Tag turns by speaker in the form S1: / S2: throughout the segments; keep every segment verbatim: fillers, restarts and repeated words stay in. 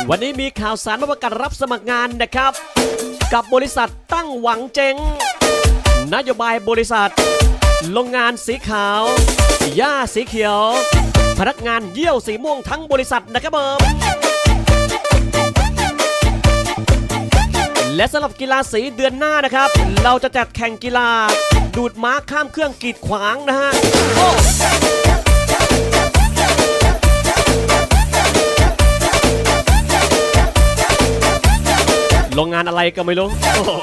S1: วันนี้มีข่าวสารมาประกาศรับสมัครงานนะครับกับบริษัทตั้งหวังเจงนโยบายบริษัทโรงงานสีขาวหญ้าสีเขียวพนักงานเยี่ยวสีม่วงทั้งบริษัทนะครับผมและสำหรับกีฬาสีเดือนหน้านะครับเราจะจัดแข่งกีฬาดูดม้าข้ามเครื่องกีดขวางนะฮะโรงงานอะไรก็ไม่รู้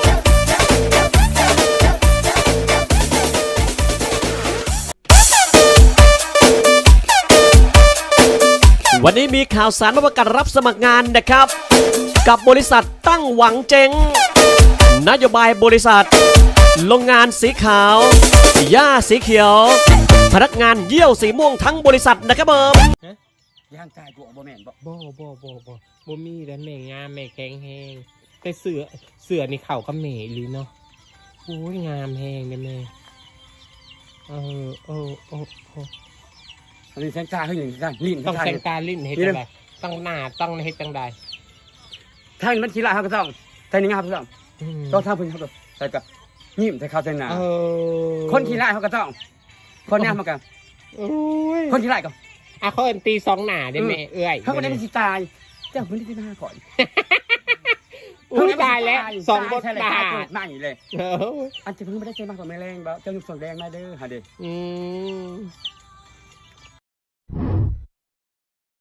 S1: วันนี้มีข่าวสารมาประกาศรับสมัครงานนะครับกับบริษัทตั้งหวังเจงนโยบายบริษัทโรงงานสีขาวหญ้าสีเขียวพนักงานเยี่ยวสีม่วงทั้งบริษัทนะครับผม
S2: ย่างกายกูบ่แม่นบ่
S3: บ่บ่บ่บ่บ่มีแล้วแม่งามแม่แข็งแฮงแต่เสือเสือนี่เข่ากับแม่หรือเนาะโอ้ยงามแฮงเลยแม่เออเออเออเออ
S2: อันนี้แสงตาเฮาอย่างกันลิ้น
S3: ต้องแสงตาลิ้นเฮ็ดจังได๋ต้องหน้าต้องเฮ็ดจังได๋
S2: ทางมันขี้ละเฮาก็ต้องแต่นี่งามต้องต้องทำเพิ่นเฮาก็ใส่กับยิ้มใส่ข้าวใส่หน้าเออคนขี้ละเฮาก็ต้องคนงามเหมือนกันโอ้ยคนขี้ละก็
S3: อ่ะเขาเอิ้นตีสองหน้าได้แม่เอื้อย
S2: เขาก็ได้มันสิตายเจ้าเพิ่นได้มาก่อน
S3: อุ้ยตายแล้วสองบทบาท
S2: นั่งอยู่เลยอันจะเพิ่งไม่ได้เจอมากกว่าแม่แรงบ่เจ้าอยู่ฝั่งแดงมาเด้อหาเด้ออืม